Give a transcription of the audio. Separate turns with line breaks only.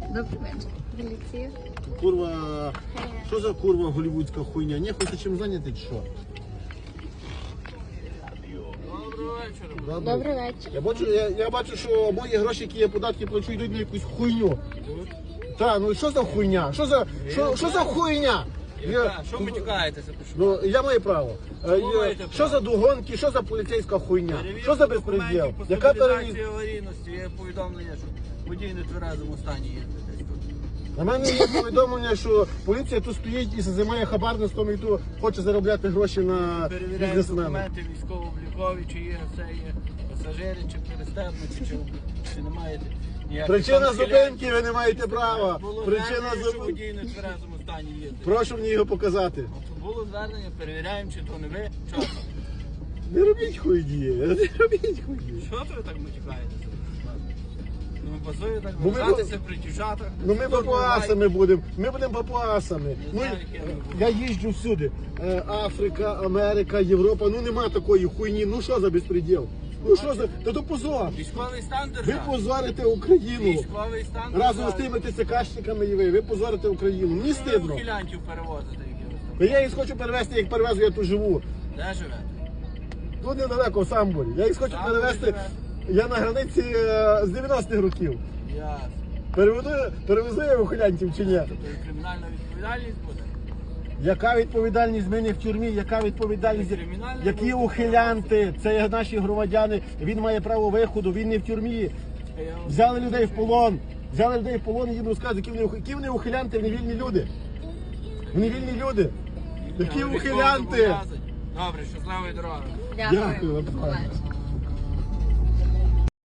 Добрий вечір. Поліція.
Курва, що за курва голівудська хуйня? Не хочете чим зайняти чи що?
Добрий вечір.
Я бачу, що мої гроші, які я податки плачу, йдуть на якусь хуйню. Так, ну що за хуйня? Що за хуйня?
Що ви тікаєтеся?
Ну, я маю право.
маєте
Що за догонки, що за поліцейська хуйня? Що за безпреділ?
По
Яка
стабілізації аварійності є повідомлення, що водій не тверезому стані є десь тут.
На мене є повідомлення, що поліція тут стоїть і займає хабарництвом і тут хоче заробляти гроші на
Перевіряють
бізнесмена.
документи військово-облікові, чи є це є пасажири, чи перестебнуті, чи не маєте ніяких
Причина
там
зупинки, ви не маєте права.
Було
Причина
звернення, що
зупинки.
водій не тверезому стані є.
Прошу мені його показати.
Було звернення, перевіряємо, чи то не ви. Чого?
Не робіть хуйні, не робіть хуйні.
Що то ви так матюкаєтеся? Ну, пасує так
Бо ми-
вважатися при дівчатах.
Ну ми папуасами будемо, ми будемо папуасами. Ну,
знаю, як я буду.
я їжджу всюди. Африка, Америка, Європа, ну нема такої хуйні. Ну що за безпреділ? Ну що за, та то позор.
Військовий стан
Ви
держави.
позорите Україну.
Військовий стан
Разом з
держави.
тими ТЦКшниками і ви позорите Україну. Мені
Ви
стидно.
ухилянтів перевозите, які ви там.
Та я їх хочу перевезти, як перевезу, я тут живу.
Де живете?
Тут недалеко в Самборі. Я їх хочу
Самборі
перевезти.
живе.
Я на границі з 90-х років.
Ясно.
Перевезу я ухилянтів чи ні?
Тобто і кримінальна відповідальність буде?
Яка відповідальність? Ми не в тюрмі, яка відповідальність?
Кримінальна
Які
буде.
ухилянти? Це є наші громадяни, він має право виходу, він не в тюрмі.
Я вам
Взяли людей в полон. Взяли людей в полон і їм розказують, які вони ухилянти, вони вільні люди. Вони вільні люди. Які
військово
ухилянти?
зобов'язані. Добре, щасливої дороги.
Дякую.
Дякую вам.
Побачимо.